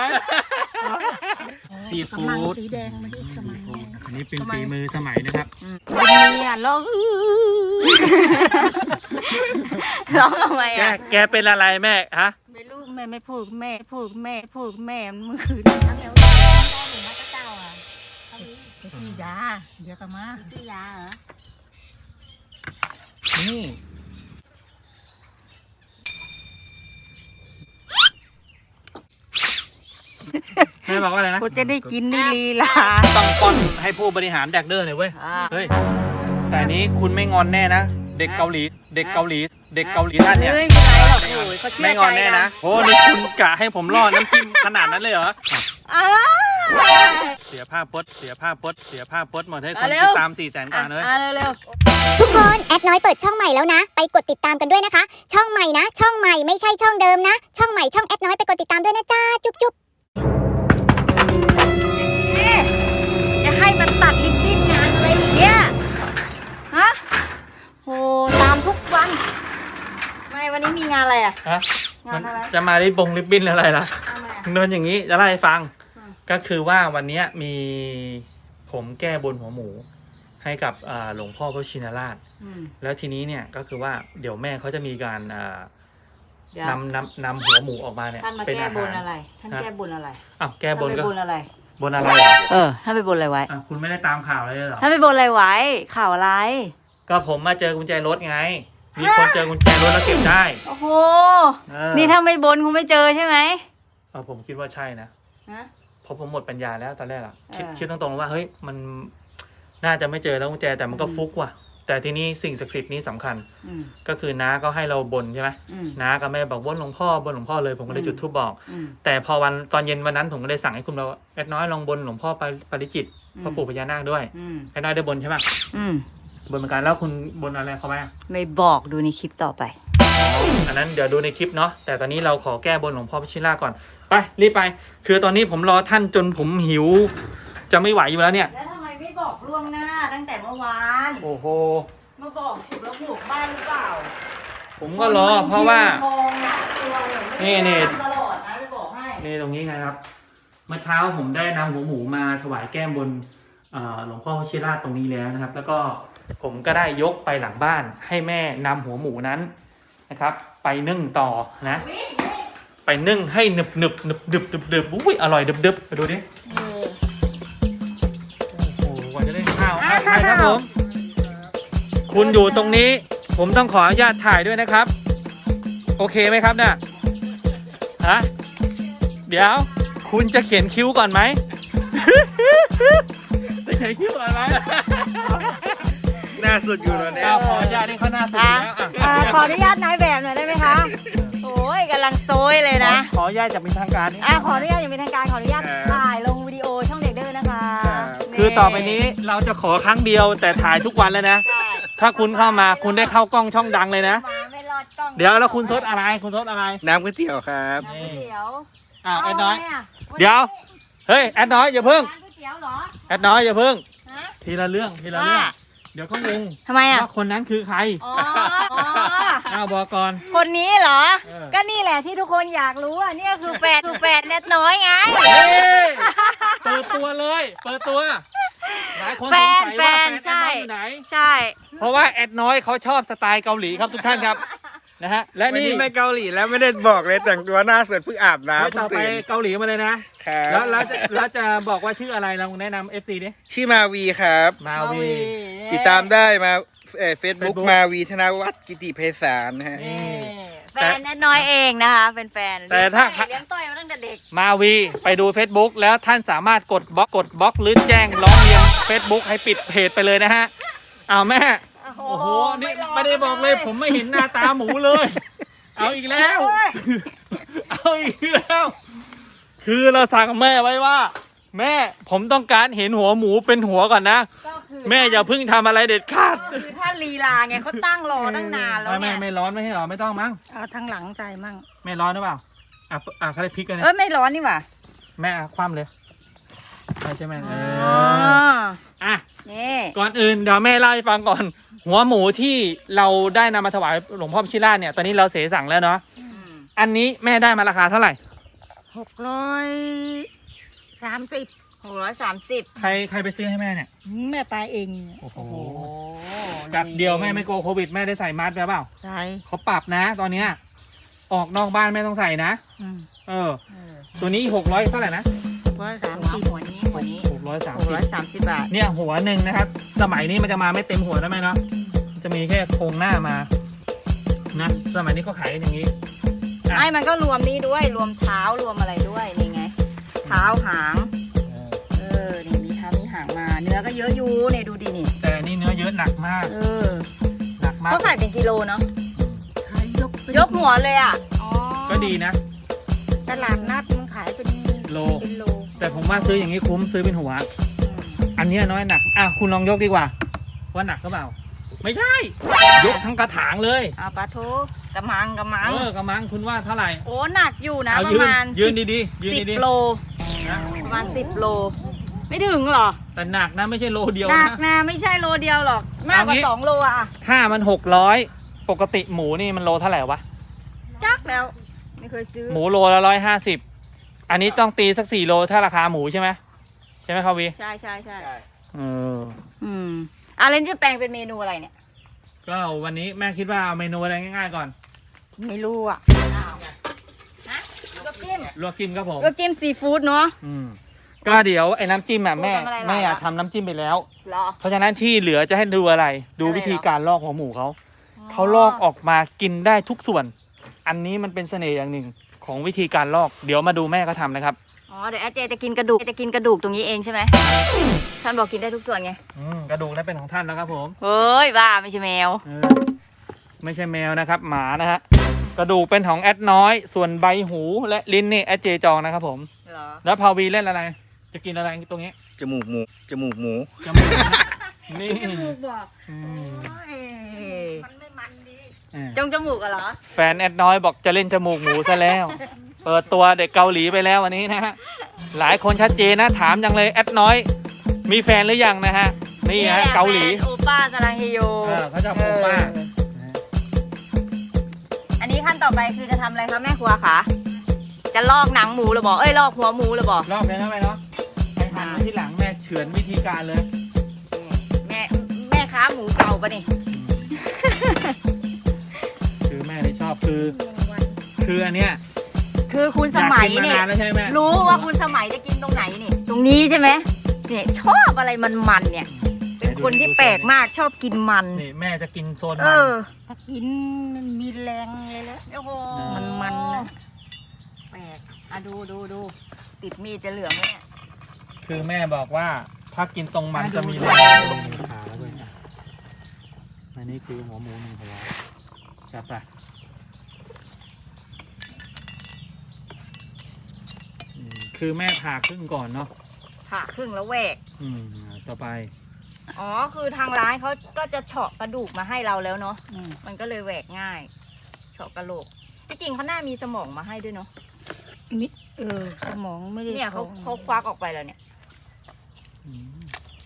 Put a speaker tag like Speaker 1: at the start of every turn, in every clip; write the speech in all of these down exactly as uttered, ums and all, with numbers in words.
Speaker 1: ซีฟู้ด
Speaker 2: สีแดงไม่ใช่สมัย
Speaker 1: อันนี้เป็นฝีมือสมัยนะครับ
Speaker 2: วันนี้อ่ะร้องร้องทำไม
Speaker 1: แก
Speaker 2: อ่ะ
Speaker 1: แกเป็นอะไรแม่ฮะ
Speaker 2: ไม่รู้แม่ไม่พูดแม่พูดแม่พูดแม่เมื่อคืนทั้งแล้วหนูมาเจ้าอ่ะไปซื้อยาเดี๋ยวก็มาซื้อยาเหรอ
Speaker 1: นี่แม่บอกว่าอะไรนะ
Speaker 2: กูจะได้กินนี่ลีลา
Speaker 1: ต้องป้อนให้ผู้บริหารแดกเดอร์หน่อยเว้ยเฮ้ยแต่นี้คุณไม่งอนแน่นะเด็กเกาหลีเด็กเกาหลีเด็กเกาหลีท่านเนี่ย
Speaker 2: ไม่เป็นไรหรอกโอ้ยเขาเชื่
Speaker 1: ไม่
Speaker 2: อง
Speaker 1: อนแน่นะโอ้นี่คุณกะให้ผมรอดน้ำจิ้มขนาดนั้นเลยเหรอ
Speaker 2: อ้า
Speaker 1: เสียผ้าปดเสียผ้าปดเสียผ้าปดหมดให้คนติดตามสี่แสนกว่าเลย
Speaker 2: อ่ะเร็ว
Speaker 3: ทุกคนแอดน้อยเปิดช่องใหม่แล้วนะไปกดติดตามกันด้วยนะคะช่องใหม่นะช่องใหม่ไม่ใช่ช่องเดิมนะช่องใหม่ช่องแอดน้อยไปกดติดตามด้วยนะจ้าจุ๊บจุ๊บ
Speaker 2: ๆจะให้มันตัดลิปบิ้นงานอะไรอีกเนี่ยฮะโหตามทุกวันไม่วันนี้มีงานอะไรอ่ะ
Speaker 1: ฮะ
Speaker 2: งานอะไร
Speaker 1: จะมาได้บงริบบิ้นอะไรล่ะ
Speaker 2: ทำไมอ่ะ
Speaker 1: เนินอย่างนี้จะเล่าให้ฟัง
Speaker 2: อืม
Speaker 1: ก็คือว่าวันนี้มีผมแก้บนหัวหมู ให้กับอ่าหลวงพ่อพระชินราช
Speaker 2: อืม
Speaker 1: แล้วทีนี้เนี่ยก็คือว่าเดี๋ยวแม่เขาจะมีการอ่า
Speaker 2: เดี๋ยวน
Speaker 1: ำนำนำหัวหมูออกมาเนี่ย
Speaker 2: ท่านมา
Speaker 1: เป็น
Speaker 2: แก้
Speaker 1: อา
Speaker 2: บ
Speaker 1: หาน ร
Speaker 2: อะไร ท่านแก้บนอะไร
Speaker 1: อ้าวแก้บน
Speaker 2: ท่าน
Speaker 1: ก็
Speaker 2: ไปบนอะไร
Speaker 1: บนอะไรเหรอ
Speaker 2: เออท่านไปบนอะไรไว้
Speaker 1: อ่ะคุณไม่ได้ตามข่าวเลยเหรอ
Speaker 2: ท่านไปบนอะไรไว้ข่าวอะไร
Speaker 1: ก็ผมมาเจอกุญแจรถไง มีคนเจอกุญแจรถแล้วเก็บได้
Speaker 2: โอ้โห
Speaker 1: เออ
Speaker 2: นี่ถ้าไม่บนคงไม่เจอใช่ไหม
Speaker 1: เออผมคิดว่าใช่นะ
Speaker 2: ฮะ
Speaker 1: เพราะผมหมดปัญญาแล้วตอนแรกอะคิด
Speaker 2: เออ
Speaker 1: คิดตรงๆว่าเฮ้ยมันน่าจะไม่เจอแล้วกุญแจแต่มันก็
Speaker 2: อืม
Speaker 1: ฟุกว่ะ แต่ทีนี้สิ่งศักดิ์สิทธิ์นี้สำคัญ
Speaker 2: อืม
Speaker 1: ก็คือน้าก็ให้เราบนใช่ไหม
Speaker 2: อืม
Speaker 1: น้ากับแม่บอกบนหลวงพ่อบนหลวงพ่อเลยผมก็เลย
Speaker 2: อืม
Speaker 1: จุดธูปบอก
Speaker 2: อืม
Speaker 1: แต่พอวันตอนเย็นวันนั้นผมก็เลยสั่งให้คุณเราแอดน้อยลองบนหลวงพ่อปาปาริจิต
Speaker 2: อืม
Speaker 1: พ่อปู่พญานาคด้วย
Speaker 2: อืม
Speaker 1: แอดน้อยได้บนใช่ไหม
Speaker 2: อืม
Speaker 1: บนเหมือนกันแล้วคุณบนอะไรเขาไหม
Speaker 2: ไม่บอกดูในคลิปต่อไป
Speaker 1: อันนั้นเดี๋ยวดูในคลิปเนาะแต่ตอนนี้เราขอแก้บนหลวงพ่อพิชิตราชก่อนไปรีบไป คือตอนนี้ผมรอท่านจนผมหิว จะไม่ไหวอยู่แล้วเนี่ย
Speaker 2: แล้วทำไมไม่บอกล่วงหน้าตั้งแต่เมื่อวาน
Speaker 1: โอ้โห
Speaker 2: มาบอกฉุกแล้วหมูกบ้านหรือเปล่า
Speaker 1: ผมก็รอเพราะว่า
Speaker 2: มองนะตัวเนี่ยไม่ได้
Speaker 1: นี่
Speaker 2: ทำตลอดนะจะบอกให้
Speaker 1: นี่ตรงนี้ไงครับเมื่อเช้าผมได้นำหัวหมูมาถวายแก้มบนเอ่อหลวงพ่อพิชิตราชตรงนี้แล้วนะครับ แล้วก็ผมก็ได้ยกไปหลังบ้านให้แม่นำหัวหมูนั้นนะครับ ไปนึ่งต่อนะ ไปนึ่งให้หนึบหนึบหนึบหนึบหนึบหนึบอุ้ยอร่อยดึบดึบไปดูดิโอ้โหกว่าจะได้ข้าวอ่ะถ่ายครับผมคุณอยู่ตรงนี้ ผมต้องขออนุญาตถ่ายด้วยนะครับ โอเคไหมครับเนี่ยฮะเดี๋ยวคุณจะเขียนคิ้วก่อนไหม จะเขียนคิ้วก่อนไหม
Speaker 4: หน้าสุดอยู่แล้วเนี่ย
Speaker 1: อ้าวขออนุญาตให้เขาหน้าสุดอยู่แล้วอ่ะ
Speaker 2: อ่าขออนุญาตนายแบบหน่อยได้ไหมคะโอ้ยกำลังโซยเลยนะ
Speaker 1: ขออนุญาตจากเป็นทางการนิดนึง
Speaker 2: อ่าขออนุญาตอย่างเป็นทางการขออนุญาตถ่ายลงวิดีโอช่องเด็กเด้อนะคะนี่
Speaker 1: คือต่อไปนี้เราจะขอครั้งเดียวแต่ถ่ายทุกวันเลยนะ
Speaker 2: ใช่
Speaker 1: ถ้าคุณเข้ามาคุณได้เข้ากล้องช่องดังเลยนะ
Speaker 2: มาไม่รอดกล้อง
Speaker 1: เดี๋ยวแล้วคุณซดอะไรคุณซดอะไร
Speaker 4: น้ำก๋วยเตี๋ยวครับ
Speaker 2: น้ำก๋วยเตี๋ยว
Speaker 1: อ้าวแอดน้อย
Speaker 2: เาไหมะ
Speaker 1: เดี๋ยว เฮ้ยแอดน้อยอย่าเพิ่ง
Speaker 2: ร้านก๋วยเตี๋ยวเหรอ
Speaker 1: แอดน้อยอย่าเพิ่ง
Speaker 2: ฮะ
Speaker 1: ทีละเรื่องทีละเรื่อง
Speaker 2: ว่า
Speaker 1: เดี๋ยวเขางง
Speaker 2: ทำไมอ่ะ
Speaker 1: ว่าคนนั้นคือใคร
Speaker 2: อ๋ออ๋อ
Speaker 1: อ้าวบอกก่อน
Speaker 2: คนนี้เหรอ
Speaker 1: เออ
Speaker 2: ก็นี่แหละที่ทุกคนอยากรู้อ่ะนี่ก็คือแฟนคือแฟนแนทน้อยไง
Speaker 1: เฮ้ยเปิดตัวเลยเปิดตัวหลายคนส
Speaker 2: แฟ
Speaker 1: ง
Speaker 2: น
Speaker 1: สัย
Speaker 2: แฟ
Speaker 1: ว่าแฟน
Speaker 2: น
Speaker 1: แอด
Speaker 2: ใช่
Speaker 1: น้อยอยู่ไหน
Speaker 2: ใช่
Speaker 1: เพราะว่าแอดน้อยเขาชอบสไตล์เกาหลีครับทุกท่านครับนะฮะและ
Speaker 4: วัน
Speaker 1: นี่
Speaker 4: นี้ไม่เกาหลีแล้วไม่ได้บอกเลยแต่งตัวหน้าสดเพิ่งอาบ
Speaker 1: เฮ้ย
Speaker 4: น้ำเพิ่
Speaker 1: ต่
Speaker 4: ง
Speaker 1: อไป
Speaker 4: ตื่น
Speaker 1: เกาหลีมาเลยนะ
Speaker 4: ครั
Speaker 1: แล้ว
Speaker 4: บ
Speaker 1: แล้วจะแล้วจะบอกว่าชื่ออะไรเราแนะนำ เอฟ ซี ดิ
Speaker 4: ชื่อมาวีครับ
Speaker 1: มาวี
Speaker 4: ติดตามได้มาเฟซบุ๊ก
Speaker 1: Facebook
Speaker 4: มาวีธนวัฒน์กิติไพศาลนะฮะ
Speaker 1: นี่
Speaker 2: แฟนแนทน้อยเองนะคะเป็นแฟน
Speaker 1: แต่ถ้า
Speaker 2: เลี้ยงต้อยมาตั้งแต่เด็ก
Speaker 1: มาวีไปดู Facebook แล้วท่านสามารถกดบล็อกกดบล็อกหรือแจ้งร้องเรียน Facebook ให้ปิดเพจไปเลยนะฮะอ้าวแม่ โอ้โห นี่ไม่ได้บอกเลยผมไม่เห็นหน้าตาหมูเลย เอาอีกแล้ว
Speaker 2: โอ้ย
Speaker 1: เอาอีกแล้ว คือเราสั่งแม่ไว้ว่า แม่ผมต้องการเห็นหัวหมูเป็นหัวก่อนนะ
Speaker 2: ก็คือ
Speaker 1: แม่อย่าเพิ่งทำอะไรเด็ดขาด
Speaker 2: ก็คือถ้าลีลาไงเขาตั้งรอตั้งนานแล้ว
Speaker 1: ไม่
Speaker 2: เนี่
Speaker 1: ไม่
Speaker 2: ย
Speaker 1: ไม่ร้อนไม่ให้หรอไม่ต้องมั้ง
Speaker 2: เอาทั้งหลังใจมั่ง
Speaker 1: ไม่ร้อนหรือเปล่าอ่ะอ่ะเขาเลยพริกกัน
Speaker 2: เอ
Speaker 1: นะ
Speaker 2: อไม่ร้อนนี่หว่า
Speaker 1: แม่อ่ะคว่ำเลยใช่ใช่ไหมเอ
Speaker 2: อ๋อ
Speaker 1: ออ่ะ
Speaker 2: นี่
Speaker 1: ก่อนอื่นเดี๋ยวแม่เล่าให้ฟังก่อน หัวหมูที่เราได้นำมาถวายหลวงพ่อพิชิตราชเนี่ยตอนนี้เราเสสั่งแล้วเนาะ
Speaker 2: อืม
Speaker 1: อันนี้แม่ได้มาราคาเท่าไหร่
Speaker 2: หกร้อยสามสิบหกร้อยสามสิบ
Speaker 1: ใครใครไปซื้อให้แม่เนี่ย
Speaker 2: แม่ไปเอง
Speaker 1: โอ้โห
Speaker 2: โอ้โห
Speaker 1: จัดเดียวแม่ไม่กลัวโควิดแม่ได้ใส่มาสก์ไปเปล่า
Speaker 2: ใช่
Speaker 1: เขาปรับนะตอนเนี้ยออกนอกบ้านไม่ต้องใส่นะ
Speaker 2: อืม
Speaker 1: เออ ตัวนี้หกร้อยเท่าไหร่นะ
Speaker 2: ร้อยสามสิบหัวนี้หัวนี้
Speaker 1: หกร้อยสาม
Speaker 2: หก
Speaker 1: สิบ
Speaker 2: ร้อยสามสิบบาท
Speaker 1: เนี่ยหัวหนึ่งนะครับ สมัยนี้มันจะมาไม่เต็มหัวแล้วไหมเนาะมันจะมีแค่โครงหน้ามานะสมัยนี้ก็ขายกันอย่างนี้อ่ะ
Speaker 2: ไม่มันก็รวมนี้ด้วยรวมเท้ารวมอะไรด้วยนี่ไง เท้าหาง
Speaker 1: เออ
Speaker 2: เออนี่มีเท้ามีหางมา เนื้อก็เยอะอยู่เนี่ยดูดินี่
Speaker 1: แต่อันนี่เนื้อเยอะหนักมาก
Speaker 2: เออ
Speaker 1: หนักมาก
Speaker 2: เขาขายเป็นกิโลเนาะยกหัวเลยอ่ะอ๋อ
Speaker 1: ก็ดีนะ
Speaker 2: ตลาดนัดมันขายเป็น
Speaker 1: โล
Speaker 2: เป็นโล
Speaker 1: แต่ผมว่าซื้ออย่างนี้คุ้มซื้อเป็นหัว อันเนี้ยน้อยหนักอ่ะคุณลองยกดีกว่าว่าหนักหรือเปล่า ไม่ใช่ ยกทั้งกระถางเลย
Speaker 2: เอาปลาทูกระมังกระมัง
Speaker 1: เออกระมังคุณว่าเท่าไหร่
Speaker 2: โอ้หนักอยู่นะ
Speaker 1: เอา
Speaker 2: ประ
Speaker 1: ยืน
Speaker 2: มาณ
Speaker 1: ยืน
Speaker 2: สิบ
Speaker 1: ดีๆยืน
Speaker 2: สิบ
Speaker 1: ดี
Speaker 2: โล
Speaker 1: ๆนะ
Speaker 2: ประมาณสิบโล ไม่ถึงหรอ
Speaker 1: แต่หนักนะไม่ใช่โลเดียว
Speaker 2: หนัก
Speaker 1: นะ
Speaker 2: นะไม่ใช่โลเดียวหรอก มากกว่า
Speaker 1: เอางี้
Speaker 2: สองโลอ่ะ
Speaker 1: ถ้ามันหกร้อยปกติหมูนี่มันโลเท่าไหร่วะ
Speaker 2: จักแล้ว ไม่เคยซื้อ
Speaker 1: หมูโลละร้อยห้าสิบอันนี้ต้องตีสักสี่โลถ้าราคาหมูใช่ไหมใช่ไหมครับวี
Speaker 2: ใช่ใช่ใช่
Speaker 1: เออ
Speaker 2: อืมอ่ะเล่นจะแปลงเป็นเมนูอะไรเนี่ย
Speaker 1: ก็วันนี้แม่คิดว่าเอาเมนูอะไรง่ายๆก่อน
Speaker 2: ไม่รู้อ่ะฮะลวกจิ้ม
Speaker 1: ลวกจิ้มครับผม
Speaker 2: ลวกจิ้มซีฟู้ดเนาะ
Speaker 1: อืมก็เดี๋ยวไอ้น้ำจิ้มอ่ะแม่
Speaker 2: พูดกันอะไรหลาย
Speaker 1: แม่อยาก
Speaker 2: ละ
Speaker 1: ทำน้ำจิ้มไปแล้ว
Speaker 2: เหรอ
Speaker 1: เพราะฉะนั้นที่เหลือจะให้ดูอะไร ดู
Speaker 2: อะไร
Speaker 1: วิธี
Speaker 2: เหรอ
Speaker 1: การลอกหัวหมูเขา เขาลอกออกมากินได้ทุกส่วน อันนี้มันเป็นเสน่ห์อย่างหนึ่งของวิธีการลอก เดี๋ยวมาดูแม่เขาทำนะครับ
Speaker 2: อ๋อเดี๋ยวอาเจจะกินกระดูกจะกินกระดูกตรงนี้เองใช่ไหมท่านบอกกินได้ทุกส่วนไง
Speaker 1: อืมกระดูกนั้นเป็นของท่านแล้วครับผม
Speaker 2: เฮ้ยบ้าไม่ใช่แมว
Speaker 1: เออไม่ใช่แมวนะครับ หมานะฮะ กระดูกเป็นของแอดน้อย ส่วนใบหูและลิ้นนี่แอดเจจองนะครับผม
Speaker 2: เหรอ
Speaker 1: แล้วพาวีเล่นอะไร จะกินอะไรตรงนี้
Speaker 4: จมูกหมู จมูกหมู
Speaker 1: จมูกนะนี่
Speaker 2: จมูกบอก
Speaker 1: อืม
Speaker 2: มันไม่มันดี
Speaker 1: อ่า
Speaker 2: จงจมูกอะเหรอ
Speaker 1: แฟนแอดน้อยบอกจะเล่นจมูกหมูซะแล้ว เปิดตัวเด็กเกาหลีไปแล้ววันนี้นะฮะ หลายคนชัดเจนนะถามจังเลยแอดน้อย มีแฟนหรือยังนะฮะ นี่ฮะ
Speaker 2: แหละ
Speaker 1: เกาหลี
Speaker 2: แฟนโอป้าสลังเฮโย
Speaker 1: เออเขาชอบโอป้า
Speaker 2: เอออันนี้ขั้นต่อไปคือจะทำอะไรคะแม่ครัวคะจะลอกหนังหมูหรือบอกเอ้ยลอกหัวหมูหรือบอก
Speaker 1: รอบนี้นะแม่เนาะไปหันมาที่หลังแม่เฉือนวิธีการเลย
Speaker 2: แม่แม่ค้าหมูเก่าปะนี่
Speaker 1: คือแม่ที่ชอบคือ คืออันเนี้ย
Speaker 2: คือคุณสมัย
Speaker 1: อากกิน
Speaker 2: เนี่
Speaker 1: มาย นานแล้วใช่ไหม
Speaker 2: รู้ว่าคุณสมัยจะกินตรงไหนนี่ ตรงนี้ใช่ไหมเนี่ยชอบอะไรมันๆเนี่ย เป็นคนที่แปลกมากชอบกินมัน
Speaker 1: นี่แม่จะกินโซน
Speaker 2: เอ
Speaker 1: มัน
Speaker 2: อ
Speaker 5: ถ้ากินมันมีแรงเลยแล้ว
Speaker 2: โอ้โห
Speaker 5: มันๆนะ
Speaker 2: แปลกอ่ะดูดูดูติดมีดจะเหลืองไหมเนี่ย
Speaker 1: คือแม่บอกว่าถ้ากินตรงมัน
Speaker 2: อ่ะ
Speaker 1: จะมี
Speaker 2: ดู
Speaker 1: แรงขาแล้วด้วยอันนี้คือหัวหมูหนึ่งหัวจับไปอืมคือแม่ผ่าครึ่งก่อนเนาะ
Speaker 2: ผ่าครึ่งแล้วแหวก
Speaker 1: อืมต่อไป
Speaker 2: อ๋อ คือทางร้านเขาก็จะเฉาะกระดูกมาให้เราแล้วเนาะ
Speaker 5: อืม
Speaker 2: มันก็เลยแหวกง่าย เฉาะกระโหลก ที่จริงเขาน่ามีสมองมาให้ด้วยเนาะ
Speaker 5: นี่เออสมองไม่ได้
Speaker 2: เนี่ยเขา
Speaker 5: ท้อง
Speaker 2: เขาควักออกไปแล้วเนี่ย
Speaker 1: อืม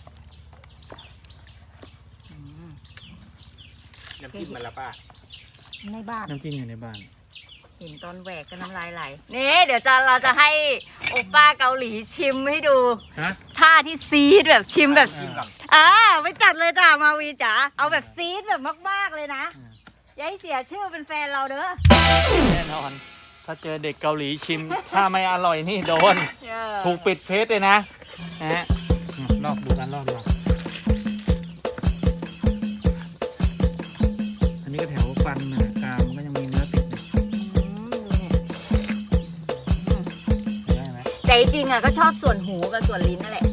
Speaker 2: อืม
Speaker 4: น้ำจิ้มมันละป้า
Speaker 5: ในบ้าน
Speaker 1: น้ำจิ้มอยู่ในบ้าน
Speaker 2: เห็นตอนแหวกก็น้ำลายไหล นี่เดี๋ยวจะเราจะให้โอป้าเกาหลีชิมให้ดู
Speaker 1: ฮะ
Speaker 2: ท่าที่ซีดแบบชิมแบบ
Speaker 1: จิ้มก่อน
Speaker 2: อ่าไปจัดเลยจ้ามาวีจ๋า เอาแบบซีดแบบมากๆเลยนะ
Speaker 1: อืม
Speaker 2: อย่าให้เสียชื่อเป็นแฟนเราเด้อ
Speaker 1: แน่นอน ถ้าเจอเด็กเกาหลีชิม ถ้าไม่อร่อยนี่โดน
Speaker 2: เออ
Speaker 1: ถูกปิดเฟซเลยนะนะฮะอืมลอกดูกันลอกดูอันนี้ก็แถวฟันนะกรามมันก็ยังมีเนื้อติดอยู่ได้ไหม
Speaker 2: แต่จริงๆอ่ะก็ชอบส่วนหูกับส่วนลิ้นนั่นแหละ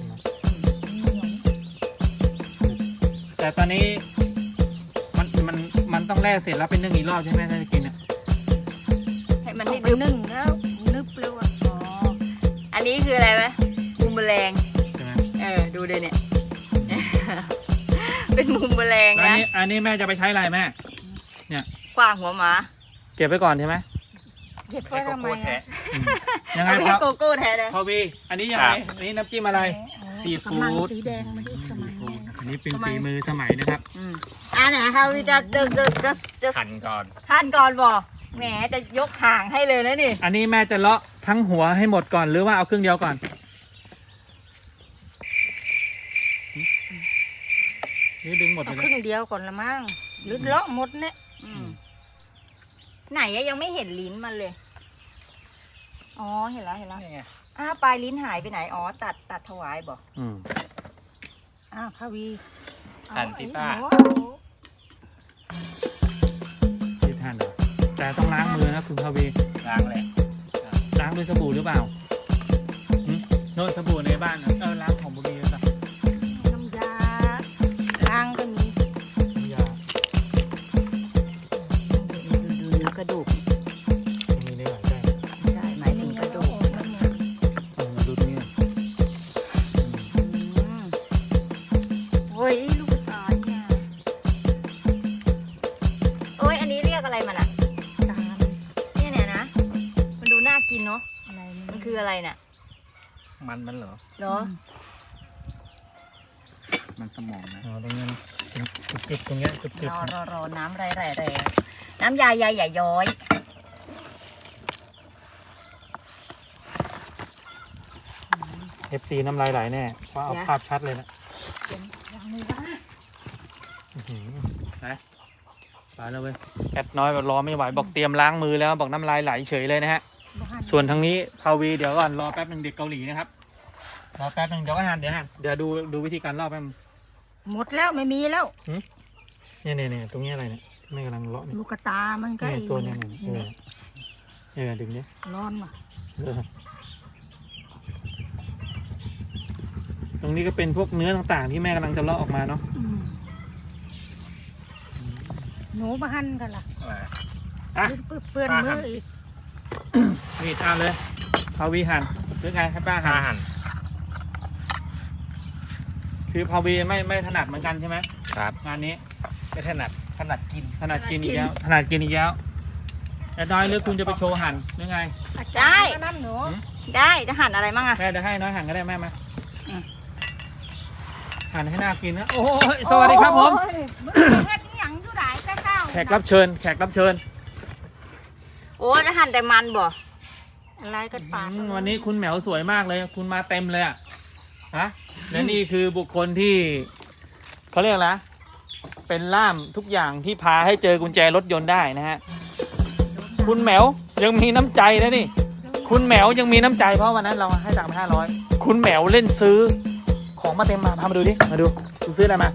Speaker 1: แต่ตอนนี้มันมันมันต้องแล่เสร็จแล้วเป็นนึ่งอีกรอบใช่ไหมถ้าจะกินอ่ะ
Speaker 2: ให้มัน
Speaker 5: เอา
Speaker 2: ได้
Speaker 5: ไป
Speaker 2: ดึบ
Speaker 5: นึ่งแล้วนึบเลยว่ะ
Speaker 2: อ๋ออันนี้คืออะไรไหมมุมแมลง
Speaker 1: ใช่ไหม
Speaker 2: เออ ดูเลยเนี่ย เป็นมุมแมลง
Speaker 1: แล้วอัน
Speaker 2: นะ
Speaker 1: นี้อันนี้แม่จะไปใช้อะไรแม่
Speaker 2: ขว้างหัวหมา
Speaker 1: เก็บไว้ก่อนใช่ไหม
Speaker 5: เก็บไว้ทำไมอะ
Speaker 1: อืมยังไง
Speaker 2: เอาไป
Speaker 1: ค
Speaker 2: ให้
Speaker 1: รับ
Speaker 2: โกโก้แท้เลย
Speaker 1: พอวีอันนี้ยังไงอันนี้น้ำจิ้มอะไร ซี
Speaker 5: กระ
Speaker 1: ฟู้
Speaker 5: มัง
Speaker 1: ด
Speaker 5: สีแดงมาที่สมัย
Speaker 1: อันนี้เป็นฝีมือสมัยนะครับ
Speaker 2: อืมอ่าไหนคะวิจะจะจะจะจะ
Speaker 4: หั่นก่อน
Speaker 2: ท่านก่อนบอกแหมจะยกห่างให้เลยนะนี่
Speaker 1: อันนี้แม่จะเลาะทั้งหัวให้หมดก่อนหรือว่าเอาครึ่งเดียวก่อนนี่ดึงหมดเล
Speaker 5: เอา
Speaker 1: ย
Speaker 5: ค
Speaker 1: นะ
Speaker 5: รึ่งเดียวก่อนละมั้งหรือเลาะหมดเนี่ย
Speaker 2: อืมไหนอะยังไม่เห็นลิ้นมันเลย อ๋อเห็นแล้วเห็นแล้ว
Speaker 4: นี่ไง
Speaker 2: อ้าวปลายลิ้นหายไปไหนอ๋อตัดตัดถวายบอก
Speaker 1: อืม
Speaker 5: อ้าวข้าวี
Speaker 4: หั่นสิป้า
Speaker 5: โอ้
Speaker 1: ที่ท่านเหรอแต่ต้องล้างมือนะคุณพาวี
Speaker 4: ล้างเลย
Speaker 1: ล้างด้วยสบู่หรือเปล่าหึโน่นสบู่ในบ้านน่ะเออล้างของบุรีหรือเปล่า
Speaker 5: น้ำยาล้างก็มี
Speaker 1: อย่า
Speaker 2: ดูดูกระดูก
Speaker 1: มีในหลายแป้ง
Speaker 2: ใช่หมายถึงกระดูก
Speaker 5: มันหมด
Speaker 1: เออมาดูตรงนี้ก่อนอืม
Speaker 2: อืมโอ้ยลูกตาเนี่ยโอ้ยอันนี้เรียกอะไรมันอะ
Speaker 5: ตาม
Speaker 2: เนี่ยเนี่ยนะมันดูน่ากินเนาะ
Speaker 5: อะไร
Speaker 2: มันคืออะไรน่ะ
Speaker 4: มันมันเหรอ
Speaker 2: เนาะ
Speaker 4: มันสมองนะ
Speaker 1: อ๋อตรงนี้จุดจุดตรงเนี้ยจุดจุด
Speaker 2: รอรอรอน้ำไรไรไรน้ำยายายใหญ่าย้อย
Speaker 1: เอฟซีน้ำลายไหลแน่เพราะเอาภาพชัดเลยนะ
Speaker 5: ยังไม่ว่า
Speaker 1: อื้อหือไปไปแล้วเว้ยแอดน้อยแบบรอไม่ไหวบอกเตรียมล้างมือแล้วบอกน้ำลายไหลเฉยเลยนะฮะ
Speaker 5: บ้าน
Speaker 1: ส่วนทางนี้พาวีเดี๋ยวก่อนรอแป๊บหนึ่งเด็กเกาหลีนะครับรอแป๊บหนึ่งเดี๋ยวก็หันเดี๋ยวหันเดี๋ยวดูดูวิธีการลอกแป๊บนึง
Speaker 5: หมดแล้วไม่มีแล้ว
Speaker 1: เนี่ยเนี่ยเนี่ยตรงนี้อะไรเนี่ยที่แม่กำลังเลาะเนี่ย
Speaker 5: ลูกกระตามันก็
Speaker 1: เนี่ย
Speaker 5: ไอ้
Speaker 1: โซนเนี่ยเนี่ยเออเออดึงเนี่ย
Speaker 5: ร้อนว่ะ
Speaker 1: เออตรงนี้ก็เป็นพวกเนื้อต่างๆ ที่แม่กำลังจะเลาะออกมาเนาะ
Speaker 5: อืมหนูมาหั่นกันล่ะ
Speaker 4: อะไร
Speaker 1: อ่ะ
Speaker 5: เปื้อนมืออีก
Speaker 1: มีดเอาเลยพาวีหันหรือไงให้ป้าหั
Speaker 4: ถ้าน หั่น
Speaker 1: คือพาวีไม่ไม่ถนัดเหมือนกันใช่ไหม
Speaker 4: ครับ
Speaker 1: งานนี้
Speaker 4: ไม่ถนัดถนัดกิน
Speaker 1: ถนัดกินอีกแล้วถนัดกินอีกแล้วแต่น้อยหรือคุณจะไปโชว์หั่นหรือไง
Speaker 2: ได้
Speaker 5: น้ำหนู
Speaker 2: ได้จะหั่นอะไรมั่งอะ
Speaker 1: แม่จะให้น้อยหั่นก็ได้แม่มา
Speaker 2: อืม
Speaker 1: หั่นให้น่ากินนะโอ้ยสวัสดีครับผม
Speaker 5: แค่นี้หยังอยู่ไหนเจ้าเจ้า
Speaker 1: แขกรับเชิญ แขกรับเชิญ
Speaker 2: โอ้จะหั่นแต่มันบ่
Speaker 5: อะไรกันปาก
Speaker 1: อืมวันนี้คุณแหมวสวยมากเลย คุณมาเต็มเลยอ่ะฮะและนี่คือบุคคลที่เขาเรียกอะไรนะเป็นล่ามทุกอย่างที่พาให้เจอกุญแจรถยนต์ได้นะฮะคุณแหมวยังมีน้ำใจนะนี่ คุณแหมวยังมีน้ำใจเพราะวันนั้นเราให้ตังค์ไปห้าร้อยคุณแหมวเล่นซื้อ ของมาเต็มมาพามาดูดิมาดูคุณซื้ออะไรมา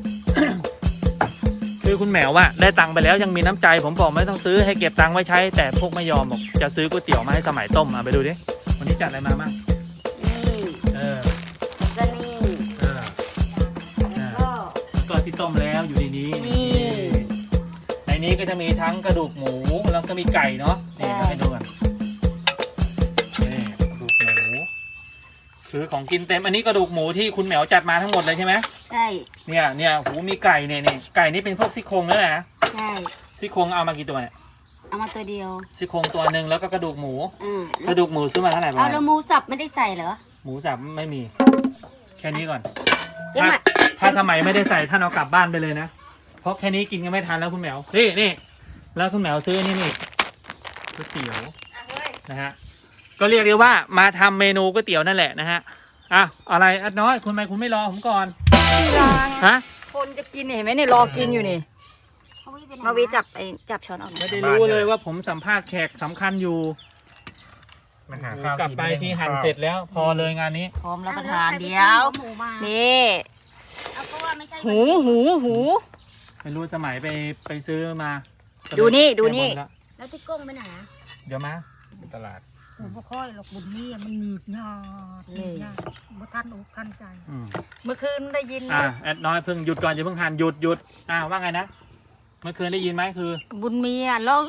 Speaker 1: คือคุณแหมวอะได้ตังค์ไปแล้วยังมีน้ำใจผมบอกไม่ต้องซื้อให้เก็บตังค์ไว้ใช้ แต่พวกไม่ยอมบอกจะซื้อก๋วยเตี๋ยวมาให้สมัยต้มมาไปดูดิวันนี้จัดอะไรมาบ้าง
Speaker 2: นี่
Speaker 1: เออ
Speaker 2: ก็นี่
Speaker 1: เออ
Speaker 2: แล้วก็
Speaker 1: ก็ที่ต้มแล้วอยู่ในนี้
Speaker 2: นี่
Speaker 1: ในนี้ก็จะมีทั้งกระดูกหมูแล้วก็มีไก่เนาะนี่
Speaker 2: ใช่
Speaker 1: ให้ดูกันนี่กระดูกหมูคือของกินเต็มอันนี้กระดูกหมูที่คุณแหมวจัดมาทั้งหมดเลยใช่ไหม
Speaker 2: ใช่
Speaker 1: เนี่ยเนี่ยหูมีไก่เนี่ยเนี่ยไก่นี่เป็นพวกซี่โครงแล้วนะ
Speaker 2: ใช่
Speaker 1: ซี่โครงเอามากี่ตัวเนี่ย
Speaker 2: เอามาตัวเดียว
Speaker 1: ซี่โครงตัวหนึ่งแล้วก็กระดูกหมู
Speaker 2: อ่าก
Speaker 1: ระดูกหมูซื้อมาเท่าไหร่บ้า
Speaker 2: เอา
Speaker 1: ง
Speaker 2: แล้วหมูสับไม่ได้ใส่เหรอ
Speaker 1: หมูสับไม่มี แค่นี้ก่อน
Speaker 2: เดี๋ยว
Speaker 1: ถ้า
Speaker 2: มา
Speaker 1: ถ้าสมัยไม่ได้ใส่ท่านเอากลับบ้านไปเลยนะ เพราะแค่นี้กินกันไม่ทันแล้วคุณแหมวนี่นี่แล้วคุณแหมวซื้อนี่นี่ก๋วยเตี๋ยว
Speaker 2: อ่ะเฮ้ย
Speaker 1: นะฮะก็เรียกได้ว่ามาทำเมนูก๋วยเตี๋ยวนั่นแหละนะฮะอ่ะอะไรอัดน้อยคุณทำไมคุณไม่รอผมก่อนฮะ
Speaker 2: คนจะกินเนี่ยเห็นไหมเนี่ยรอกินอยู่นี่ มาวีจับไอ้จับช้อนออก
Speaker 1: ไม่ได้รู้เลยว่าผมสัมภาษณ์แขกสำคัญอยู่
Speaker 4: มันหาข้าว
Speaker 1: กลับไปที่หั่นเสร็จแล้ว พอเลยงานนี้
Speaker 2: พร้อมรับประทานเดียว
Speaker 5: หมูมา
Speaker 2: นี่
Speaker 5: เอาก็ว่าไม่ใช่
Speaker 2: หูหูหู
Speaker 1: ไม่รู้สมัยไปไปซื้อมา
Speaker 2: ดูนี่ดูนี่
Speaker 1: แก้บแล้ว
Speaker 5: แล้วที่ก้งไปไหนอะ
Speaker 1: เดี๋ยวมา
Speaker 4: ตลาด
Speaker 5: ผมบ่ค่อยหรอกบุญนี่มันหนีบหยาดหนีบหยาดบ่ทันอกทันใจ
Speaker 1: อืม
Speaker 2: เมื่อคืนได้ยิน
Speaker 1: อ่ะแอดน้อยเพิ่งหยุดก่อนอย่าเพิ่งหั่นหยุดหยุดอ่ะว่าไงนะเมื่อคืนได้ยินไหมคือ
Speaker 2: บุญมีอ่ะร้อง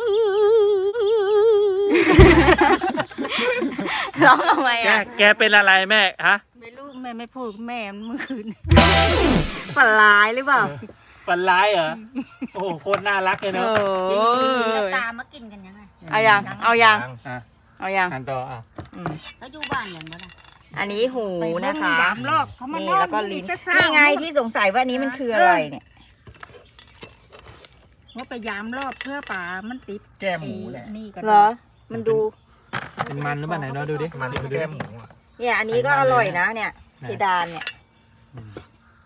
Speaker 2: ร้องทำไม
Speaker 1: แก
Speaker 2: อ่ะ
Speaker 1: แกเป็นอะไรแม่ฮะ
Speaker 5: ไม่รู้แม่ไม่พูดกับแม่เมื่อคืน
Speaker 2: ฝันร้ายหรือเปล่า
Speaker 1: ฝันร้ายเหรอโอ้โหโคตรน่ารักเลยเนอะ
Speaker 2: โอ้
Speaker 5: แล้ว
Speaker 2: ย
Speaker 5: ตามมากินกันยังไง
Speaker 2: เอายังเอายัง
Speaker 1: อ่ะ
Speaker 2: เอายัง
Speaker 1: หั่นต่ออ่ะ
Speaker 2: อืม
Speaker 5: แล้วอยู่บ้านอย่างบ่ล่ะ
Speaker 2: อันนี้หูนะคะ
Speaker 5: ไปเบิ่งยามลอกเขามา
Speaker 2: นี่
Speaker 5: นอน
Speaker 2: แล้วก็ลิ้น
Speaker 5: แต่เช้า
Speaker 2: นี่ไงที่สงสัยว่านี้มันคืออะไรเนี่ย
Speaker 5: ว่าไปยามรอบเพื่อป่ามันติด
Speaker 4: แก้มหมูแหละ
Speaker 5: นี่ก็
Speaker 2: เหรอ มันดู
Speaker 1: เป็นมันหรือเปล่าไหนเราดูดิ
Speaker 4: มัน
Speaker 1: ดูดิ
Speaker 4: แก้มหมูอ่ะ
Speaker 2: เนี่ย อันนี้ก็อร่อยนะเนี่ยเพดานเนี่ย
Speaker 1: อืม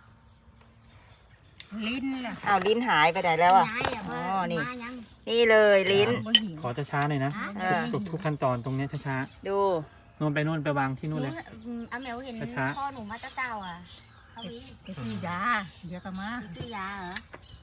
Speaker 5: ลิ้นล่ะ
Speaker 2: อ้าวลิ้นหายไปไหนแล้วอ่ะ อ๋อ นี่ นี่เลยลิ้น
Speaker 5: บ่หิว
Speaker 1: ขอช้าๆหน่อยนะ
Speaker 2: เออ
Speaker 1: ทุกทุกขั้นตอนตรงเนี้ยช้า
Speaker 2: ดู
Speaker 1: ๆนู่นไปนู่นไปวางที่นู่นเลย
Speaker 3: อาแมวเห็น
Speaker 1: ช้า
Speaker 3: พ่อหนูมาตั้งเต่าอ่ะเขาวิ
Speaker 5: ไปซื้อยาเดี๋ยวก็มา
Speaker 3: ซื้อยาเหรอ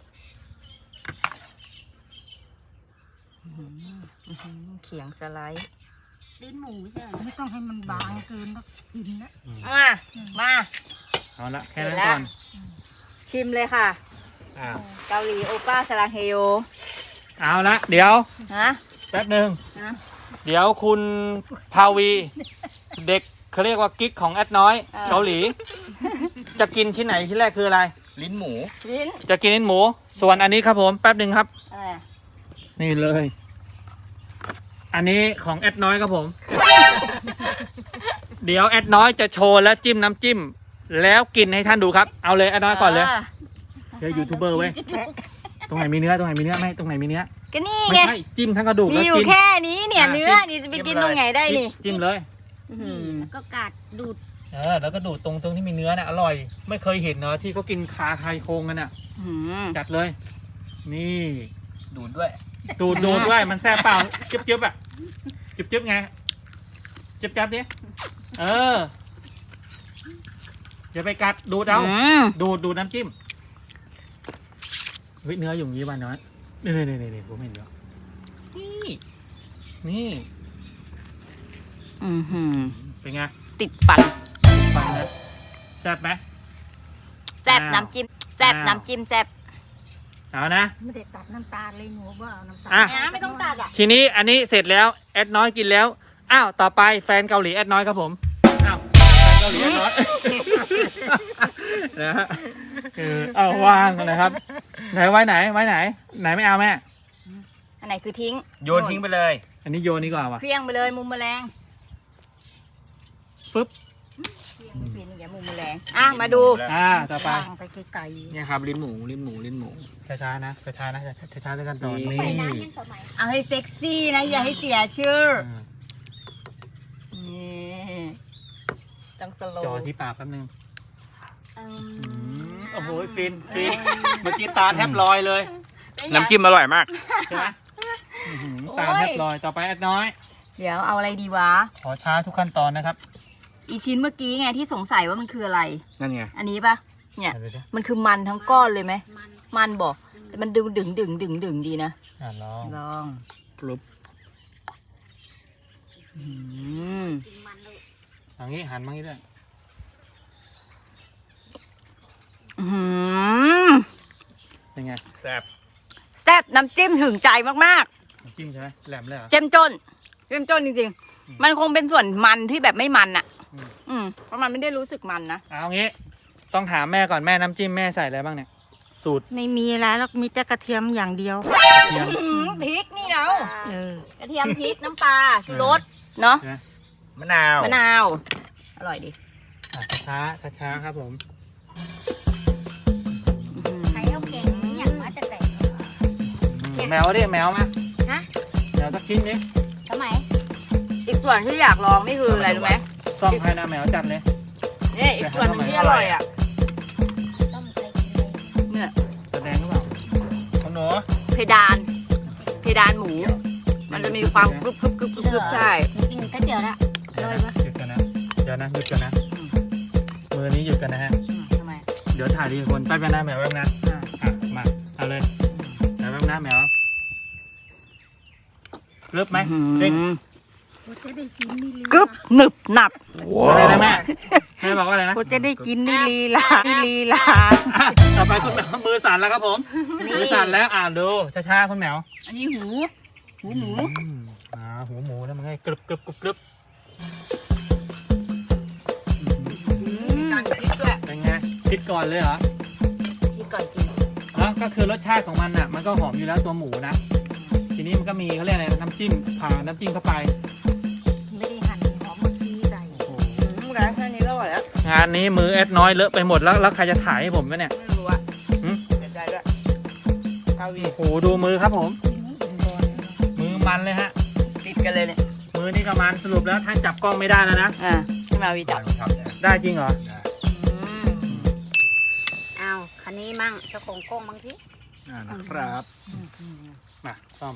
Speaker 2: เขียงสไลด์
Speaker 3: ลิ้นหมูใช่ไหม
Speaker 5: ไม่ต้องให้มันบางเกินแล้วกินนะ
Speaker 1: อืม
Speaker 2: มา มา
Speaker 1: เอาละแค่นั้น
Speaker 2: เสร็จแล้ว
Speaker 1: ก่อน
Speaker 2: ชิมเลยค่ะ
Speaker 4: อ้าว
Speaker 2: เกาหลีโอป้าสลังเฮโย
Speaker 1: เอาละเดี๋ยว
Speaker 2: ฮะ
Speaker 1: แป๊บหนึ่ง
Speaker 2: ฮะ
Speaker 1: เดี๋ยวคุณพาวี เด็กเขาเรียกว่ากิ๊กของแอดน้อย
Speaker 2: เออ
Speaker 1: เกาหลี จะกินที่ไหนที่แรกคืออะไร
Speaker 4: ลิ้นหมู
Speaker 2: ลิ้น
Speaker 1: จะกินลิ้นหมู ส่วนอันนี้ครับผมแป๊บหนึ่งครับ
Speaker 2: อะไร
Speaker 1: นี่เลย อันนี้ของแอดน้อยครับผม เดี๋ยวแอดน้อยจะโชว์และจิ้มน้ำจิ้ม แล้วกินให้ท่านดูครับ เอาเลยแอดน้อยก่อนเลยเดี๋ยวยูทูบเบอร์เว้ย ตรงไหนมีเนื้อตรงไหนมีเนื้อไม่ตรงไหนมีเนื้อ
Speaker 2: ก็นี่
Speaker 1: ไม่
Speaker 2: ไง
Speaker 1: ใช่จิ้มทั้งกระดูก
Speaker 2: มี
Speaker 1: แล้ว
Speaker 2: อยู่
Speaker 1: กิน
Speaker 2: แค่นี้เนี่ย
Speaker 1: อ่ะ
Speaker 2: เนื้อ
Speaker 1: จิ้ม
Speaker 2: นี่จะไป
Speaker 4: จิ้
Speaker 2: กิน
Speaker 4: มเลย
Speaker 2: ตรงไหนได้นี่
Speaker 1: จิ้มเลย
Speaker 2: อื้อหือ
Speaker 3: แล้วก็กัดดูด
Speaker 1: เออแล้วก็ดูดตรงตรงที่มีเนื้อน่ะอร่อย ไม่เคยเห็นเนาะที่เขากินคาไข่โครงกันน่ะ
Speaker 2: อื้อหือ
Speaker 1: จัดเลย นี่
Speaker 4: ดูดด้วย
Speaker 1: ดูดดูดด้วยมันแซ่บเปล่าจึ๊บจึ๊บอ่ะจึ๊บจึ๊บไงจึ๊บจับดิเอออย่าไปกัดดูดเอา
Speaker 2: อืม
Speaker 1: ดูดดูดน้ำจิ้มเฮ้ยเนื้ออยู่อย่างนี้บ้านน้อยนี่นี่นี่นี่ผมเห็นแล้วนี่นี่
Speaker 2: อือหือ
Speaker 1: เป็นไง
Speaker 2: ติดฟัน
Speaker 1: ฟังนะแซ่บไหม
Speaker 2: แซ่บ
Speaker 1: อ้าว
Speaker 2: น้ำจิ้มแซ่บ
Speaker 1: อ้าว
Speaker 2: น้ำจิ้มแซ่บ
Speaker 1: เอานะ
Speaker 5: ไม่ได้ตัดน้ำตาลเลยหนูว่าเอาน้ำตาล
Speaker 1: อ่ะ
Speaker 2: นะไม่ต้องตัดอ่ะ
Speaker 1: ทีนี้อันนี้เสร็จแล้วแอดน้อยกินแล้วอ้าวต่อไปแฟนเกาหลีแอดน้อยครับผมอ้าวแฟนเกาหลีแอดน้อย นะฮะเออเอาวางนะครับไหนไว้ไหนไว้ไหน ไหนไม่เอาแม่
Speaker 2: อันไหนคือทิ้ง
Speaker 4: โยนทิ้งไปเลย
Speaker 1: อันนี้โยนนี่ก่อนว่ะ
Speaker 2: เคลี้ยงไปเลยมุมแมลง
Speaker 1: ปึ๊บ
Speaker 2: เปลี่ยนอีกแล้วมุมแมลงอ่ะมาดู
Speaker 1: อ่าต่อไป
Speaker 5: วางไปไกล
Speaker 4: เนี่ยครับลิ้นหมูลิ้นหมูลิ้นหมู
Speaker 1: ช้าๆนะช้าๆนะช้าๆด้วยกันตอน
Speaker 4: นี่
Speaker 1: นี้
Speaker 3: ไปน้ำยังสมัย
Speaker 2: เอาให้เซ็กซี่นะอย่าให้เสียชื่อ
Speaker 1: อ่า
Speaker 2: นี่ต้องสโล
Speaker 1: จอ
Speaker 2: ว์
Speaker 1: ที่ปากแป๊บนึง
Speaker 2: อื
Speaker 1: อื
Speaker 2: ม
Speaker 1: มโอ้โหฟินฟินเมื่อกี้ตาแทบลอยเลย
Speaker 4: น้ำจิ้มอร่อยมาก
Speaker 1: ใช่ไหมอื้อหือตาแทบลอยต่อไปแอดน้อย
Speaker 2: เดี๋ยวเอาอะไรดีวะ
Speaker 1: ขอช้าทุกขั้นตอนนะครับ
Speaker 2: อีชิ้นเมื่อกี้ไงที่สงสัยว่ามันคืออะไร
Speaker 4: นั่นไง
Speaker 2: อันนี้ปะเนี่ย
Speaker 1: เอาดูดิ
Speaker 2: มันคือมันทั้งก้อนเลยไหม
Speaker 3: มัน
Speaker 2: มันบอกแต่มันดึงดึงดึงดึงดึงดีนะ
Speaker 1: อ่าลอง
Speaker 2: ลอง
Speaker 1: ปลุบ
Speaker 2: อืม
Speaker 3: กินมันเลย
Speaker 1: เอย่างนี้หันมางี้ด้วย
Speaker 2: อื้อหือ
Speaker 1: เป็นไง
Speaker 4: แซ่บ
Speaker 2: แซ่บน้ำจิ้มถึงใจมาก
Speaker 1: น้ำจิ้มใช่ไหมแหลมเลยเหรอ
Speaker 2: ๆ เจ้มจนเจ้มจนจริง
Speaker 1: อืม
Speaker 2: ๆ มันคงเป็นส่วนมันที่แบบไม่มันอะ
Speaker 1: อืม
Speaker 2: อืมเพราะมันไม่ได้รู้สึกมันนะ
Speaker 1: เอางี้ ต้องถามแม่ก่อนแม่น้ำจิ้มแม่ใส่อะไรบ้างเนี่ย สูตร
Speaker 5: ๆไม่มีอะไรแล้วมีแต่กระเทียมอย่างเดียว
Speaker 1: เทียม
Speaker 2: อื้อหือพริกนี่เรา
Speaker 5: เออก
Speaker 2: ระเทียมพริกน้ำปลาชูรสเนาะ
Speaker 1: ใช่ไหม
Speaker 4: มะนาว
Speaker 2: มะนาว อร่อยดี
Speaker 1: อ่ะช้าช้าช้าๆครับผม
Speaker 3: ใครเอาเก่งนี่อย่างว่าจะแต่ง
Speaker 1: อืมแมวดิแมวมา
Speaker 3: ฮะ
Speaker 1: แมวสักชิ้นดิ
Speaker 3: สมัย
Speaker 2: อีกส่วนที่อยากลองนี่คืออะไรรู้ไหม
Speaker 1: ซ่อมให้นะแมวจัดเลย
Speaker 2: นี่อีกส่วนหนึงที่อร่อยอ่ะ
Speaker 3: ต้มใส่กินเลย
Speaker 2: เนี่ย
Speaker 1: แสดงหรือเปล่า
Speaker 4: ของหนู
Speaker 2: เพดาน เพดานหมู มันจะมีความกรึบกรึบกรึบกรึบกรึบใช่
Speaker 3: กินก๋วยเตี๋ยวละ
Speaker 1: เดี๋ยว
Speaker 3: อร่อย
Speaker 1: นะ
Speaker 3: ปะ
Speaker 1: หยุดกันนะเดี๋ยวนะหยุดกันนะมือนี้หยุดกันนะฮะ
Speaker 2: อืมทำไม
Speaker 1: เดี๋ยวถ่ายทีละคนแป๊บนึงนะแมวแป๊บนะ
Speaker 2: อ่า
Speaker 1: อ่ะมาเอาเลยแมวแป๊บนะแมวเลิบไหมเด้ง
Speaker 5: กูจะได้กินนี่ลี
Speaker 2: กรึบหนึบหนับ
Speaker 1: อะไรนะแม่แม่บอกว่าอะไรนะ
Speaker 5: กูจะได้กินนี่ลีลานี่ลีลา
Speaker 1: อ่ะต่อไปคุณแมวมือสั่นแล้วครับผมมือสั่นแล้วอ่านดูช้าๆคุณแมว
Speaker 2: อันนี้หู หูหมู
Speaker 1: อืมอ่าหูหมูนะมันไงกรึบกรึบกรึบกรึบ
Speaker 2: มีการพริกด้วย
Speaker 1: เป็นไงคิดก่อนเลยเหรอ
Speaker 2: พริกก่อนกิน
Speaker 1: แล้วก็คือรสชาติของมันอ่ะมันก็หอมอยู่แล้วตัวหมูนะทีนี้มันก็มีเขาเรียกอะไรนะน้ำจิ้มผ่าน้ำจิ้มเข้าไป
Speaker 5: ไม่ได้หั่นหอมเมื่อกี้ใส่
Speaker 1: โอ้โห
Speaker 2: อืมร้านแค่นี้ก็อร่อยแล้ว
Speaker 1: งานนี้มือแอดน้อยเลอะไปหมดแล้วแล้วใครจะถ่ายให้ผมวะเนี่ย
Speaker 2: ไม่รู้อะ
Speaker 1: หืม
Speaker 2: เสียใจด้วย
Speaker 1: อ
Speaker 2: าวี
Speaker 1: โอ้โหดูมือครับผม มือมันเลยฮะ
Speaker 2: ติดกันเลยเนี่ย
Speaker 1: มือนี่ก็มันสรุปแล้วท่านจับกล้องไม่ได้แล้วนะ
Speaker 2: อ่าให้มาวีจับ
Speaker 1: ได้จริงเหรอ
Speaker 2: อ้าวคันนี้มั่งเจ้าของกล้องมั่งสิ
Speaker 4: อ่านะครับ
Speaker 1: มาซ่อม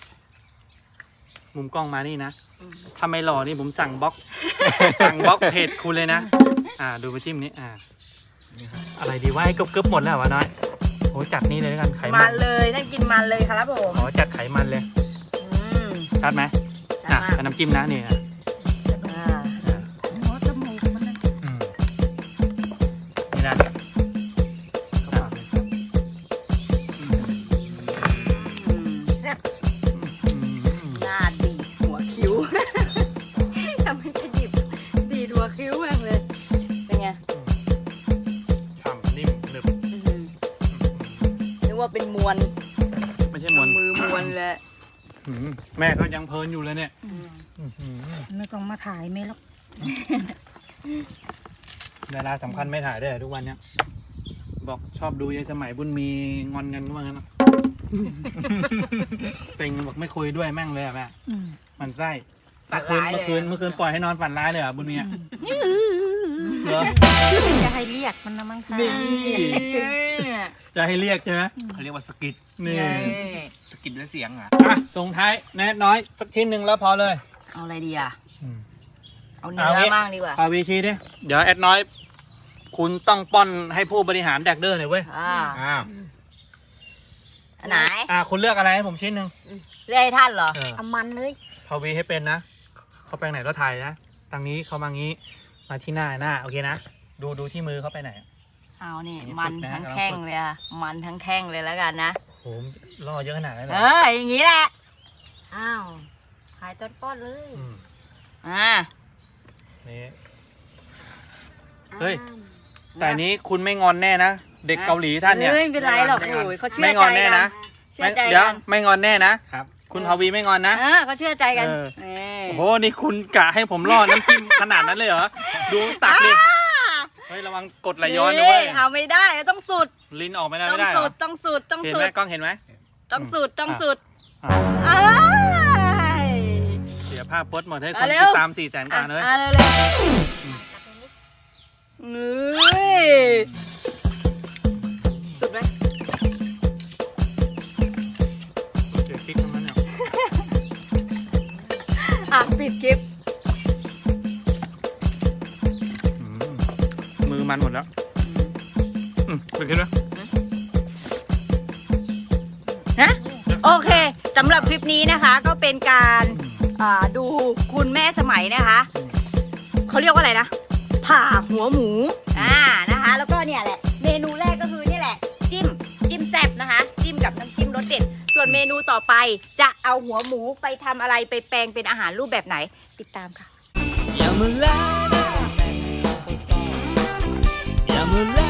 Speaker 1: มุมกล้องมานี่นะถ้าไม่หล่อนี่ผมสั่งบล็อก สั่งบล็อกเพจคุณเลยนะ อ่า ดูไปจิ้มนี้ อ่า อะไรดีว่าให้กึบๆหมดแล้ววะน้อยโอ้จัดนี่เลยแล้วกันไขมั
Speaker 2: มัน นเลยนั่นกินมันเลยครับผม
Speaker 1: ขอจัดไขมันเลย
Speaker 2: อืม
Speaker 1: ชัดไหม
Speaker 2: ชั
Speaker 1: อ่ะ
Speaker 2: ดมาก
Speaker 1: เป็นน้ำจิ้มนะนี่อ่ะ
Speaker 2: อ่า
Speaker 1: อ่ะ
Speaker 5: หัวจมูกมันนะ
Speaker 1: อืมนี่นะเข้าปากเลยครับ
Speaker 2: อืมแซ่บ
Speaker 1: อืม
Speaker 2: หน้าดีดหัวคิ้ว ทำให้ขยิบดีดหัวคิ้วแม่งเลย เป็นไง
Speaker 1: ฉ่ำนิ่มหนึบ
Speaker 2: อื้อหือนึกว่าเป็นมวล
Speaker 1: ไม่ใช่มวน
Speaker 2: มือมวลเลย
Speaker 1: อืมแม่ก็ยังเพลินอยู่เลยเนี่ย
Speaker 2: อืม
Speaker 1: อื้อหือ
Speaker 5: ไม่ต้องมาถ่ายไม่หรอก
Speaker 1: ดาราสำคัญไม่ถ่ายด้วยเหรอทุกวันเนี้ยบอกชอบดูยายสมัยบุญมีงอนกันว่างั้น นะ เซ็งบอกไม่คุยด้วยแม่งเลยอะแม่
Speaker 5: อืม
Speaker 1: มันไส้
Speaker 2: ฝั
Speaker 1: เมื่
Speaker 2: น
Speaker 1: อคืน
Speaker 2: ร้ายเลย
Speaker 1: เมื่อคืนเมื่อคืนปล่อยให้นอนฝันร้ายเลยเหรอ่ะบุญมีอะเหรอ
Speaker 5: จะให้เรียกมันนะมั้งค่ะ
Speaker 1: นี่
Speaker 2: เนี่ย
Speaker 1: จะให้เรียกใช่ไหม
Speaker 4: เขาเรียกว่าสกิด
Speaker 1: นี่
Speaker 4: สกิดด้วยเสียงอ่ะ
Speaker 1: อ่ะส่งท้ายแน่น้อยสักชิ้นหนึ่งแล้วพอเลย
Speaker 2: เอาอะไรดีอ่ะ
Speaker 1: อืม
Speaker 2: เอาเนื้
Speaker 1: เอา
Speaker 2: อ
Speaker 1: งี้
Speaker 2: บ้างดีกว่า
Speaker 1: พาวีชีดิเดี๋ยวแอดน้อย คุณต้องป้อนให้ผู้บริหารแดกเดอร์หน่อยเว้ย
Speaker 2: อ่า
Speaker 4: อ้าว
Speaker 2: อันไหน
Speaker 1: อ่ะคุณเลือกอะไรให้ผมชิ้นหนึ่ง
Speaker 2: เรียกให้ท่านเหรอ
Speaker 1: เออ
Speaker 2: เอามันเลย
Speaker 1: พาวีให้เป็นนะเขาไปไหนก็ถ่ายนะทางนี้เขามางี้มาที่หน้าหน้าโอเคนะดูดูที่มือเขาไปไหน
Speaker 2: เอานี่
Speaker 1: นี่
Speaker 2: มัน
Speaker 1: ฝึกนะ
Speaker 2: ทั้ง
Speaker 1: กำลัง
Speaker 2: แข้ง
Speaker 1: ฝึก
Speaker 2: เลยอะมันทั้งแข้งเลยแล้วกันนะ
Speaker 1: โหล่อเยอะขนาดนั้นเล
Speaker 2: เอย ออย่างงี้แหละ อ้าวขายต้นป้อนเลย
Speaker 1: ม
Speaker 2: อ่า
Speaker 1: นี่ เฮ้ย แต่อันนี้คุณไม่งอนแน่นะเด็กเกาหลีท่านเนี่ย
Speaker 2: เฮ้ยไม่เป็นไรหรอกโอ้ยเขาเชื่
Speaker 1: ไม่
Speaker 2: อง ใจ
Speaker 1: อนแน่
Speaker 2: กั
Speaker 1: นะ
Speaker 2: นเชื่อใจ
Speaker 1: เดี๋ยว
Speaker 2: กัน
Speaker 1: ไม่งอนแน่นะครับ คุณพาวีไม่งอนนะ
Speaker 2: เออเขาเชื่อใจกัน
Speaker 1: เออ
Speaker 2: นี่
Speaker 1: โอ้โหนี่คุณกะให้ผมล่อน้ำจิ้มขนาดนั้นเลยเหรอดูตักดิเฮ้ยระวังกดไหลย้อนนะเว้ย
Speaker 2: เอาไม่ได้ต้องสุด
Speaker 1: ลิ้นออกไม่ได้
Speaker 2: ต้อ
Speaker 1: ไม่
Speaker 2: ง
Speaker 1: ได้เหร
Speaker 2: สุ
Speaker 1: อ
Speaker 2: ดต้องสุดต้อง
Speaker 1: เห็น
Speaker 2: สุ
Speaker 1: ไหม
Speaker 2: ด
Speaker 1: กล้องเห็นไหม
Speaker 2: ต้องสุดต้องสุด
Speaker 1: อ่ะ
Speaker 2: เอ้ย
Speaker 1: เสียภาพพจน์หมดให้ค
Speaker 2: เอา
Speaker 1: น
Speaker 2: เร็
Speaker 1: ติ
Speaker 2: ว
Speaker 1: ดตามสี่แสนกว่าเลย
Speaker 2: อ่ะเร็วเร็วเฮ้ยสุดไหม
Speaker 1: โอเคคลิกทั้งนั้นเนี่ย
Speaker 2: อ่ะปิดคลิป
Speaker 1: อืมมือมันหมดแล้วอืมเป็นไงนะ
Speaker 2: นะโอเคสำหรับคลิปนี้นะคะก็เป็นการอ่าดูคุณแม่สมัยนะคะเขาเรียกว่าอะไรนะผ่าหัวหมูอ่านะคะ แล้วก็เนี่ยแหละเมนูแรกก็คือนี่แหละ จิ้มจิ้มแซ่บนะคะ จิ้มกับน้ำจิ้มรสเด็ด ส่วนเมนูต่อไปจะเอาหัวหมูไปทำอะไรไปแปลงเป็นอาหารรูปแบบไหน ติดตามค่ะ
Speaker 1: อย่ามาแลอย่ามาแล